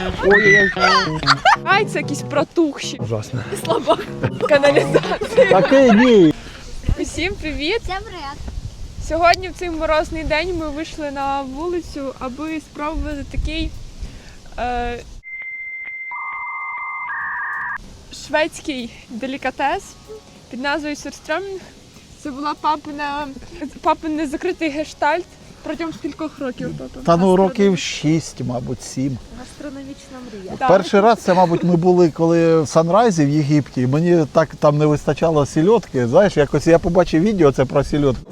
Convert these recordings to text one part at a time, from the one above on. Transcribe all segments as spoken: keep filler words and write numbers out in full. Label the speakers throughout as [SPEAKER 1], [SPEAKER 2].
[SPEAKER 1] Ой-ой-ой.
[SPEAKER 2] Яйця якісь протухші.
[SPEAKER 1] Ужасно.
[SPEAKER 2] Слабак. Каналізація.
[SPEAKER 1] Такий ні.
[SPEAKER 2] Усім привіт.
[SPEAKER 3] Всем привет.
[SPEAKER 2] Сьогодні в цей морозний день ми вийшли на вулицю, аби спробувати такий е, шведський делікатес під назвою сюрстрьомінг. Це була папина, папин незакритий гештальт протягом скількох років. Папа?
[SPEAKER 1] Та ну років шість, мабуть, сім.
[SPEAKER 3] Гастрономічна мрія.
[SPEAKER 2] Так.
[SPEAKER 1] Перший раз це, мабуть, ми були коли в Санрайзі в Єгипті. Мені так там не вистачало сільотки. Знаєш, якось я побачив відео це про сільотку.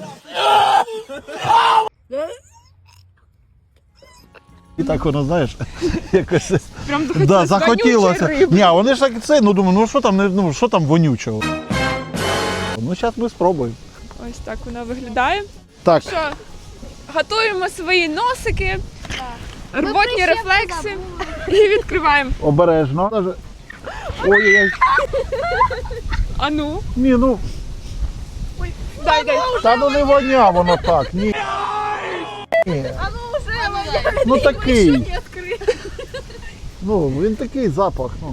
[SPEAKER 1] І так воно, знаєш, якось
[SPEAKER 2] Прям
[SPEAKER 1] да,
[SPEAKER 2] захотілося
[SPEAKER 1] захотілося.
[SPEAKER 2] вонючої риби.
[SPEAKER 1] Ні, а вони ж так це, ну думаю, ну що там, не- ну що там вонючого? Ну зараз ми спробуємо.
[SPEAKER 2] Ось так вона виглядає.
[SPEAKER 1] Так,
[SPEAKER 2] Що, готуємо свої носики, рвотні
[SPEAKER 3] прищепки
[SPEAKER 2] рефлекси і відкриваємо.
[SPEAKER 1] обережно. Даже- Ой-ой-ой.
[SPEAKER 2] А ну,
[SPEAKER 1] Ні, ну,
[SPEAKER 2] дай, дай.
[SPEAKER 1] та ну не воня воно так, ні. Ні.
[SPEAKER 2] А ну вже,
[SPEAKER 1] Ну такий. Ну, він такий запах. Ну.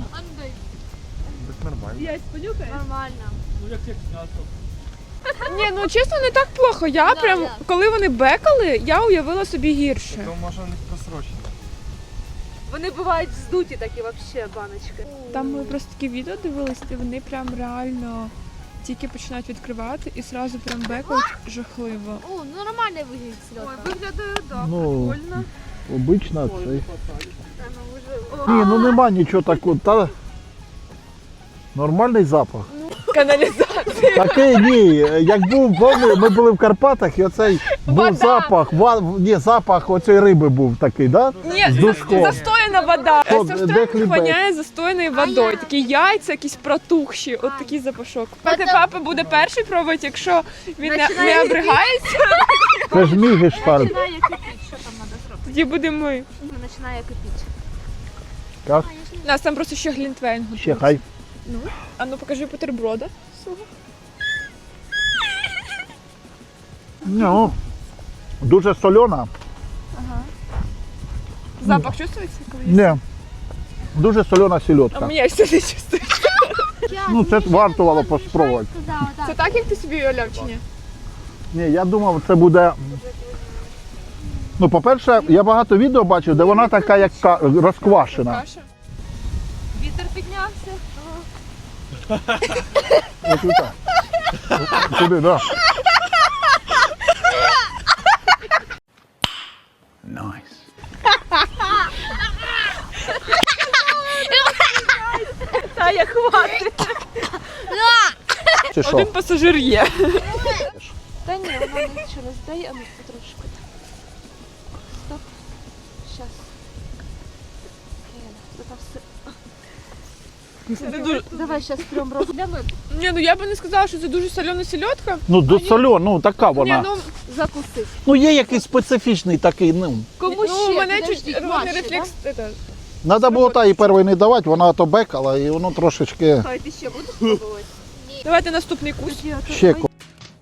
[SPEAKER 2] я понюхаю.
[SPEAKER 3] Нормально.
[SPEAKER 2] Ні, ну чесно, не так плохо. Я
[SPEAKER 3] Да,
[SPEAKER 2] прям,
[SPEAKER 3] да.
[SPEAKER 2] коли вони бекали, я уявила собі гірше.
[SPEAKER 4] То може у них просрочено.
[SPEAKER 5] Вони бувають здуті такі вообще баночки.
[SPEAKER 2] Там ми просто такі відео дивилися, де вони прям реально тільки починають відкривати і одразу прям бекають жахливо.
[SPEAKER 3] О, ну нормальний вигляд сльота.
[SPEAKER 2] Виглядає, так,
[SPEAKER 1] Ну,
[SPEAKER 2] прикольно.
[SPEAKER 1] обично цей. Ні, ну нема нічого такого. Та... Нормальний запах.
[SPEAKER 2] Каналізація.
[SPEAKER 1] Такий ні. Як був, помню, ми були в Карпатах і оцей був
[SPEAKER 2] Вода.
[SPEAKER 1] запах, ва... ні, запах оцієї риби був такий, да?
[SPEAKER 2] Ні,
[SPEAKER 1] З душком.
[SPEAKER 2] застояна вода.
[SPEAKER 1] Що,
[SPEAKER 2] Це
[SPEAKER 1] де
[SPEAKER 2] все
[SPEAKER 1] хлібець?
[SPEAKER 2] воняє застояною водою. Такі яйця, якісь протухші, от такий запашок. Поки папа буде перший пробувати, якщо він не, не обригається,
[SPEAKER 1] Це ж мій гештальт.
[SPEAKER 5] Починає кипіти, що там треба зробити?
[SPEAKER 2] тоді будемо ми.
[SPEAKER 5] Починає кипіти.
[SPEAKER 1] Так,
[SPEAKER 2] У нас там просто ще глінтвейн готується.
[SPEAKER 1] ще хай.
[SPEAKER 2] Ну, а ну покажи бутерброда. свого.
[SPEAKER 1] Ну, дуже сольона.
[SPEAKER 2] Запах чувствується? Коли є?
[SPEAKER 1] Ні. Дуже сольона
[SPEAKER 2] А
[SPEAKER 1] сільотка.
[SPEAKER 2] мені все не чувствує.
[SPEAKER 1] Ну, це вартувало поспробувати.
[SPEAKER 2] Це так, як ти собі уявляв, чи ні?
[SPEAKER 1] Ні, я думав, це буде. Ну, по-перше, я багато відео бачив, де вона така, як ка- розквашена.
[SPEAKER 2] Каша.
[SPEAKER 5] Вітер піднявся.
[SPEAKER 1] Ось так. Сюди, да. Найс.
[SPEAKER 5] Та я хватить.
[SPEAKER 1] Чи що?
[SPEAKER 2] Один пасажир є.
[SPEAKER 5] Та ні, вона нічого не здає, а ну потрошку. Стоп. Щас. Це там все.
[SPEAKER 2] Це дуже...
[SPEAKER 5] Давай щас прям розгляну.
[SPEAKER 2] Ні, ну я би не сказала, що це дуже солена сільотка.
[SPEAKER 1] Ну, до сольона, ну така
[SPEAKER 2] Ні,
[SPEAKER 1] вона.
[SPEAKER 2] ну,
[SPEAKER 5] Закусити.
[SPEAKER 1] Ну, є якийсь специфічний такий, ну.
[SPEAKER 5] Кому
[SPEAKER 2] ну
[SPEAKER 5] ще?
[SPEAKER 2] у мене
[SPEAKER 5] Підождіть,
[SPEAKER 2] чуть рвотний
[SPEAKER 5] ваші,
[SPEAKER 2] рефлекс. это,
[SPEAKER 1] Треба було та і перший не давати, вона то бекала і воно трошечки
[SPEAKER 5] да? Хай ти ще будеш пробувати?
[SPEAKER 2] Давайте наступний кусь.
[SPEAKER 1] ще ко-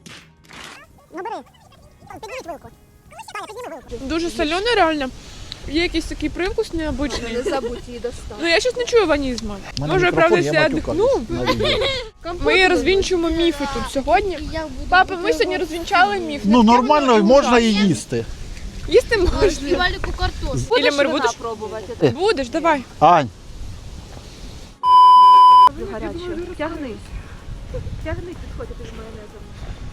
[SPEAKER 2] Дуже солений реально. Є якийсь такий привкус необычний.
[SPEAKER 5] Не забудь її достати.
[SPEAKER 2] Ну я щось не чую ванізму.
[SPEAKER 1] У мене
[SPEAKER 2] Може,
[SPEAKER 1] мікрофон,
[SPEAKER 2] правда,
[SPEAKER 1] я
[SPEAKER 2] я
[SPEAKER 1] матюкаюсь
[SPEAKER 2] дихну.
[SPEAKER 1] на відео.
[SPEAKER 2] Ми розвінчуємо міфи тут сьогодні. Папа, ми сьогодні розвінчали міф.
[SPEAKER 1] Ну,
[SPEAKER 2] Таке
[SPEAKER 1] нормально,
[SPEAKER 2] воно
[SPEAKER 1] можна і
[SPEAKER 2] ужасне.
[SPEAKER 1] їсти.
[SPEAKER 2] Їсти можна.
[SPEAKER 3] Валіку картошку.
[SPEAKER 2] Ілля,
[SPEAKER 5] Будеш
[SPEAKER 2] Мир,
[SPEAKER 5] вина
[SPEAKER 2] будеш?
[SPEAKER 5] пробувати?
[SPEAKER 2] Будеш, давай.
[SPEAKER 1] Ань,
[SPEAKER 5] Гарячу. Тягни. Тягни, підходь, ти з майонезом.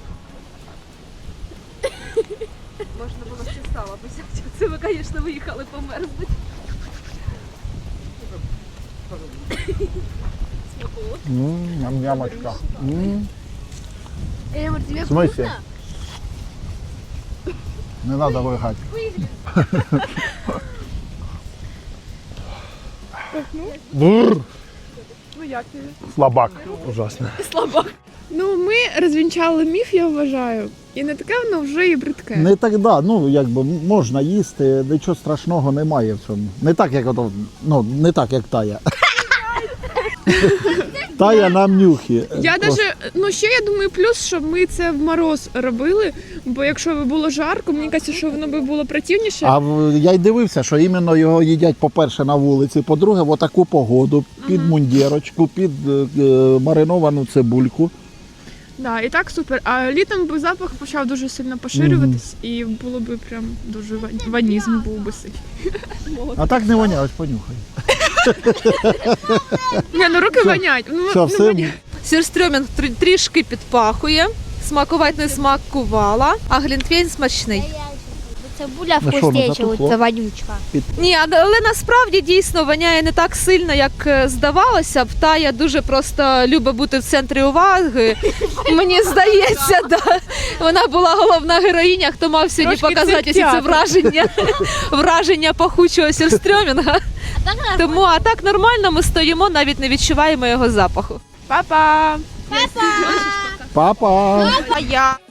[SPEAKER 5] Можна було ще сало взяти. Це ви, звісно, виїхали померзнуть.
[SPEAKER 1] м, ням-нямочка. М,
[SPEAKER 3] Эльмар, тебе
[SPEAKER 1] В смысле?
[SPEAKER 3] вкусно?
[SPEAKER 1] Не треба вигати. Бур,
[SPEAKER 2] Ну як тобі?
[SPEAKER 1] слабак. Ужасно.
[SPEAKER 2] Ну ми розвінчали міф, я вважаю. І не таке воно вже і бридке.
[SPEAKER 1] Не так, да, ну якби можна їсти, нічого страшного немає в цьому. Не так, як ото, ну, не так, як тая. Тая нам нюхи.
[SPEAKER 2] Я даже, ну ще я думаю, плюс, що ми це в мороз робили, бо якщо би було жарко, мені кажеться, що воно би було противніше.
[SPEAKER 1] А в- я й дивився, що іменно його їдять, по-перше, на вулиці, по-друге, в отаку погоду, під мундірочку, під е, е, мариновану цибульку.
[SPEAKER 2] Да, і так супер. А літом би запах почав дуже сильно поширюватись, і було би прям дуже ва- ванізм був би сильний.
[SPEAKER 1] А так не воняє, ось понюхай.
[SPEAKER 2] Ні, ну руки вонять. Ну,
[SPEAKER 1] Все,
[SPEAKER 2] ну,
[SPEAKER 1] все.
[SPEAKER 2] воняє.
[SPEAKER 4] Сюрстрьомінг трі- трішки підпахує, смакувати не смакувала, а глінтвейн смачний.
[SPEAKER 3] Цибуля
[SPEAKER 1] Ну що, ну,
[SPEAKER 3] вкуснее,
[SPEAKER 1] затухло?
[SPEAKER 3] це вонючка.
[SPEAKER 4] Ні, а- але насправді дійсно воняє не так сильно, як е, здавалося б. Тая дуже просто любить бути в центрі уваги. Мені здається, да. Вона була головна героїня, хто мав сьогодні
[SPEAKER 2] Трошки
[SPEAKER 4] показати
[SPEAKER 2] це
[SPEAKER 4] усі це
[SPEAKER 2] театр.
[SPEAKER 4] враження, враження пахучого сюрстрьомінга. Тому а так нормально ми стоїмо, навіть не відчуваємо його запаху.
[SPEAKER 2] Па-па!
[SPEAKER 1] Папа!
[SPEAKER 4] А я